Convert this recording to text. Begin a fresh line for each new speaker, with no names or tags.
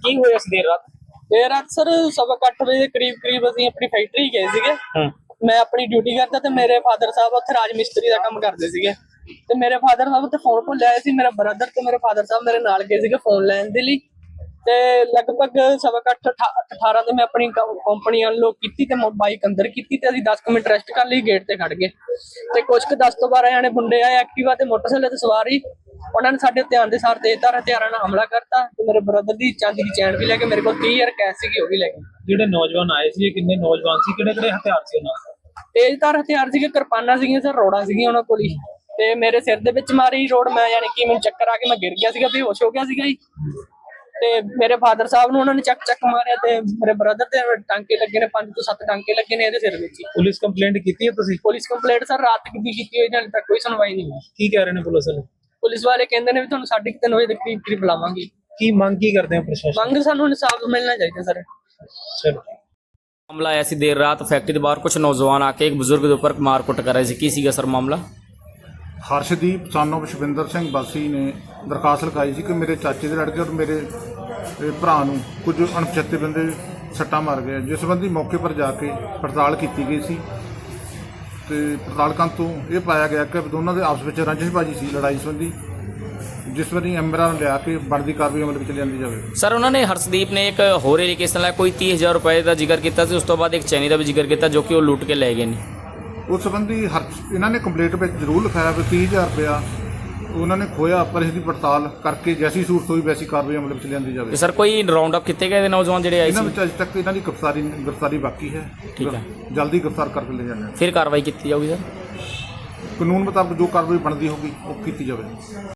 ਕੀ ਹੋਇਆ ਸੀ ਦੇਰ ਰਾਤ?
देर रात सर 8:15 वजे के करीब ਅਸੀਂ ਆਪਣੀ ਫੈਕਟਰੀ ਗਏ ਸੀਗੇ। ਮੈਂ ਆਪਣੀ ਡਿਊਟੀ ਕਰਦਾ ਤੇ ਮੇਰੇ ਫਾਦਰ ਸਾਹਿਬ ਉੱਥੇ ਰਾਜ ਮਿਸਤਰੀ ਦਾ ਕੰਮ ਕਰਦੇ ਸੀਗੇ ਤੇ ਮੇਰੇ ਫਾਦਰ ਸਾਹਿਬ ਉੱਥੇ ਫੋਨ ਭੁੱਲ ਆਏ ਸੀ। ਮੇਰਾ ਬ੍ਰਦਰ ਤੇ ਮੇਰੇ ਫਾਦਰ ਸਾਹਿਬ ਮੇਰੇ ਨਾਲ ਗਏ ਸੀਗੇ ਫੋਨ ਲੈਣ ਦੇ ਲਈ ਤੇ ਲਗਭਗ 8:15 ਤੇ ਮੈਂ ਆਪਣੀ ਕੰਪਨੀ ਅਨਲੌਕ ਕੀਤੀ ਤੇ ਬਾਈਕ ਅੰਦਰ ਕੀਤੀ ਤੇ ਅਸੀਂ 10 ਮਿੰਟ ਰੈਸਟ ਕਰ ਲਈ, ਗੇਟ ਤੇ ਖੜ ਗਏ ਤੇ ਕੁਝ ਕੁ 10 ਤੋਂ 12 ਜਾਣੇ ਮੁੰਡੇ ਆਏ ਐਕਟਿਵਾ ਤੇ ਮੋਟਰਸਾਈਕਲ ਤੇ ਸਵਾਰੀ। ਉਹਨਾਂ ਨੇ ਸਾਡੇ ਧਿਆਨ ਦੇ ਸਾਰ ਤੇਜ਼ਧਾਰ ਹਥਿਆਰਾਂ ਨਾਲ ਹਮਲਾ ਕਰਤਾ ਤੇ ਮੇਰੇ ਬ੍ਰਦਰ ਦੀ ਚਾਂਦੀ ਦੀ ਚੈਨ ਵੀ ਲੈ ਕੇ ਮੇਰੇ ਕੋਲ 30,000 ਕੈਸ਼ ਸੀਗੀ ਉਹ ਵੀ ਲੈ ਗਏ।
ਜਿਹੜੇ ਨੌਜਵਾਨ ਆਏ ਸੀ ਕਿੰਨੇ ਨੌਜਵਾਨ ਸੀ, ਕਿਹੜੇ ਹਥਿਆਰ ਸੀ ਉਹਨਾਂ ਕੋਲ?
ਤੇਜ਼ਧਾਰ ਹਥਿਆਰ ਸੀਗੇ, ਕਿਰਪਾਨਾਂ ਸੀਗੀਆਂ ਸਰ, ਰੋੜਾਂ ਸੀਗੀਆਂ ਉਹਨਾਂ ਕੋਲ ਹੀ ਤੇ ਮੇਰੇ ਸਿਰ ਦੇ ਵਿੱਚ ਮਾਰੀ ਰੋੜ। ਮੈਂ ਯਾਨੀ ਕਿ ਮੈਨੂੰ ਚੱਕਰ ਆ ਕੇ ਮੈਂ ਗਿਰ ਗਿਆ ਸੀਗਾ, ਬੇਹੋਸ਼ ਹੋ ਗਿਆ ਸੀਗਾ ਜੀ ਤੇ ਮੇਰੇ ਫਾਦਰ ਸਾਹਿਬ ਨੂੰ ਉਹਨਾਂ ਨੇ ਚੱਕ ਮਾਰਿਆ ਤੇ ਮੇਰੇ ਬ੍ਰਦਰ ਤੇ ਟਾਂਕੇ ਲੱਗੇ ਨੇ, 5 ਤੋਂ 7 ਟਾਂਕੇ ਲੱਗੇ ਨੇ ਇਹਦੇ ਸਿਰ ਵਿੱਚ।
ਪੁਲਿਸ ਕੰਪਲੇਂਟ ਕੀਤੀ ਹੈ ਤੁਸੀਂ?
ਪੁਲਿਸ ਕੰਪਲੇਂਟ ਸਰ ਰਾਤ ਦੀ ਕੀਤੀ ਹੋਈ, ਹਾਲੇ ਤੱਕ ਕੋਈ ਸੁਣਵਾਈ ਨਹੀਂ ਹੋਈ।
ਕੀ ਕਹਿ ਰਹੇ ਨੇ ਪੁਲਿਸ ਵਾਲੇ?
ਪੁਲਿਸ ਵਾਲੇ ਕਹਿੰਦੇ ਨੇ ਵੀ ਤੁਹਾਨੂੰ 3:30 ਵਜੇ ਦੇ ਕਰੀਬ ਬੁਲਾਵਾਂਗੇ।
ਕੀ ਮੰਗ ਕੀ ਕਰਦੇ ਹੋ ਪ੍ਰਸ਼ਾਸਨ?
ਮੰਗ ਸਾਨੂੰ ਇਨਸਾਫ ਮਿਲਣਾ ਚਾਹੀਦਾ ਸਰ।
ਚਲੋ
ਮਾਮਲਾ ਆਇਆ ਸੀ ਦੇਰ ਰਾਤ ਫੈਕਟਰੀ ਦੇ ਬਾਹਰ ਕੁਝ ਨੌਜਵਾਨ ਆ ਕੇ ਇੱਕ ਬਜ਼ੁਰਗ ਦੇ ਉੱਪਰ ਮਾਰ-ਕੁੱਟ ਕਰ ਰਹੇ ਸੀ। ਕੀ ਸੀਗਾ ਸਰ ਮਾਮਲਾ?
ਹਰਸ਼ਦੀਪ ਸਾਨੂੰ ਸ਼ਵਿੰਦਰ ਸਿੰਘ ਬਾਸੀ ਨੇ ਦਰਖਾਸਤ ਲਿਖਾਈ ਸੀ ਕਿ ਮੇਰੇ ਚਾਚੇ ਦੇ ਲੜਕੇ ਔਰ ਮੇਰੇ ਭਰਾ ਨੂੰ ਕੁਝ ਅਣਪਛਾਤੇ ਬੰਦੇ ਸੱਟਾਂ ਮਾਰ ਗਏ, ਜਿਸ ਸੰਬੰਧੀ ਮੌਕੇ ਪਰ ਜਾ ਕੇ ਪੜਤਾਲ ਕੀਤੀ ਗਈ ਸੀ ਤੇ ਪੜਤਾਲ ਕਰਨ ਤੋਂ ਇਹ ਪਾਇਆ ਗਿਆ ਕਿ ਦੋਨਾਂ ਦੇ ਆਪਸ ਵਿੱਚ ਰੰਜਿਸ਼ਬਾਜੀ ਸੀ, ਲੜਾਈ ਸੰਬੰਧੀ, ਜਿਸ ਵਾਰੀ ਐਮਰਾਂ ਨੂੰ ਲਿਆ ਕੇ ਬਣਦੀ ਕਾਰਵਾਈ ਅਮਲ ਵਿੱਚ ਲਿਆਂਦੀ ਜਾਵੇ।
ਸਰ ਉਹਨਾਂ ਨੇ ਹਰਸ਼ਦੀਪ ਨੇ ਇੱਕ ਹੋਰ ਏਰੀਕੇਸ਼ਨ ਨਾਲ ਕੋਈ 30,000 ਰੁਪਏ ਦਾ ਜ਼ਿਕਰ ਕੀਤਾ ਸੀ, ਉਸ ਤੋਂ ਬਾਅਦ ਇੱਕ ਚੈਨੀ ਦਾ ਵੀ ਜ਼ਿਕਰ ਕੀਤਾ ਜੋ ਕਿ ਉਹ ਲੁੱਟ ਕੇ ਲੈ ਗਏ ਨੇ।
ਉਸ ਸੰਬੰਧੀ ਇਹਨਾਂ ਨੇ ਕੰਪਲੇਂਟ ਵਿੱਚ ਜ਼ਰੂਰ ਲਿਖਾਇਆ ਵੀ 30,000 ਰੁਪਇਆ ਉਹਨਾਂ ਨੇ ਖੋਇਆ, ਪਰ ਇਸ ਦੀ ਪੜਤਾਲ ਕਰਕੇ ਜੈਸੀ ਸੂਰਤ ਹੋਈ ਵੈਸੀ ਕਾਰਵਾਈ ਅਮਲ ਵਿੱਚ ਲਿਆਂਦੀ ਜਾਵੇ।
ਸਰ ਕੋਈ ਰਾਉਂਡ ਅਪ ਕੀਤੇ ਗਏ ਨੌਜਵਾਨ ਜਿਹੜੇ ਆਏ
ਇਹਨਾਂ
ਸੀ?
ਵਿੱਚ ਅਜੇ ਤੱਕ ਇਹਨਾਂ ਦੀ ਗ੍ਰਿਫਤਾਰੀ ਬਾਕੀ ਹੈ।
ਠੀਕ ਹੈ,
ਜਲਦੀ ਗ੍ਰਿਫਤਾਰ ਕਰਕੇ ਲੈ ਜਾਂਦੇ
ਫਿਰ ਕਾਰਵਾਈ ਕੀਤੀ ਜਾਊਗੀ ਸਰ।
ਕਾਨੂੰਨ ਮੁਤਾਬਕ ਜੋ ਕਾਰਵਾਈ ਬਣਦੀ ਹੋਗੀ ਉਹ ਕੀਤੀ ਜਾਵੇ।